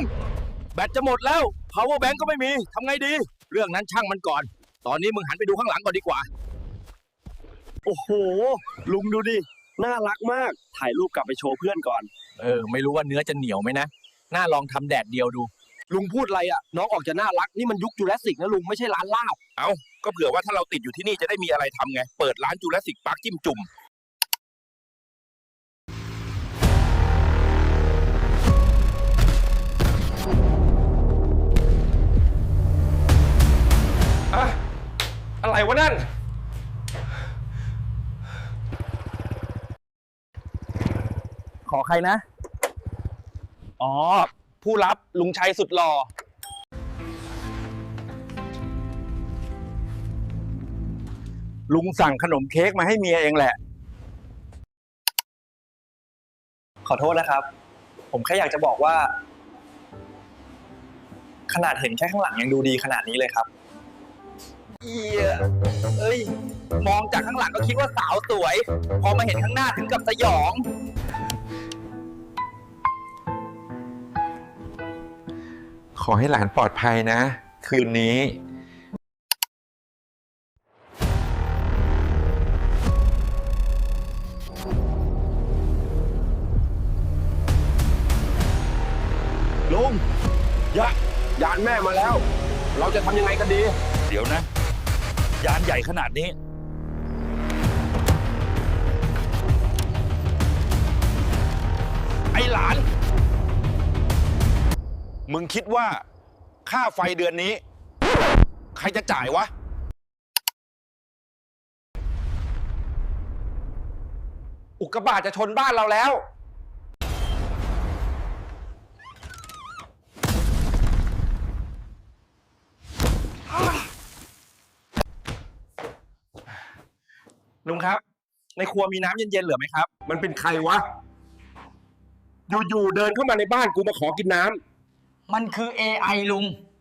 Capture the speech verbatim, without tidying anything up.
แบตจะหมดแล้ว power bank ก็ไม่มีทำไงดีเรื่องนั้นช่างมันก่อนตอนนี้มึงหันไปดูข้างหลังก่อนดีกว่าโอ้โหลุงดูดิน่ารักมากถ่ายรูปกลับไปโชว์เพื่อนก่อนเออไม่รู้ว่าเนื้อจะเหนียวไหมนะน่าลองทำแดดเดียวดูลุงพูดอะไรอ่ะน้องออกจะน่ารักนี่มันยุคจูราสสิกนะลุงไม่ใช่ร้านลาบเอ้าก็เผื่อว่าถ้าเราติดอยู่ที่นี่จะได้มีอะไรทำไงเปิดร้านจูราสสิกปาร์คจิ้มจุ่มอะอะไรวะนั่นขอใครนะอ๋อผู้รับลุงชัยสุดหล่อลุงสั่งขนมเค้กมาให้เมียเองแหละขอโทษนะครับผมแค่อยากจะบอกว่าขนาดเห็นแค่ข้างหลังยังดูดีขนาดนี้เลยครับเอียเอ้ยมองจากข้างหลังก็คิดว่าสาวสวยพอมาเห็นข้างหน้าถึงกับสยองขอให้หลานปลอดภัยนะคืนนี้ลุงยะยานแม่มาแล้วเราจะทำยังไงกันดีเดี๋ยวนะยานใหญ่ขนาดนี้ไอ้หลานมึงคิดว่าค่าไฟเดือนนี้ใครจะจ่ายวะอุกกาบาตจะชนบ้านเราแล้วลุงครับในครัวมีน้ำเย็นๆเหลือไหมครับมันเป็นใครวะอยู่ๆเดินเข้ามาในบ้านกูมาขอกินน้ำมันคือ เอ ไอ ลุง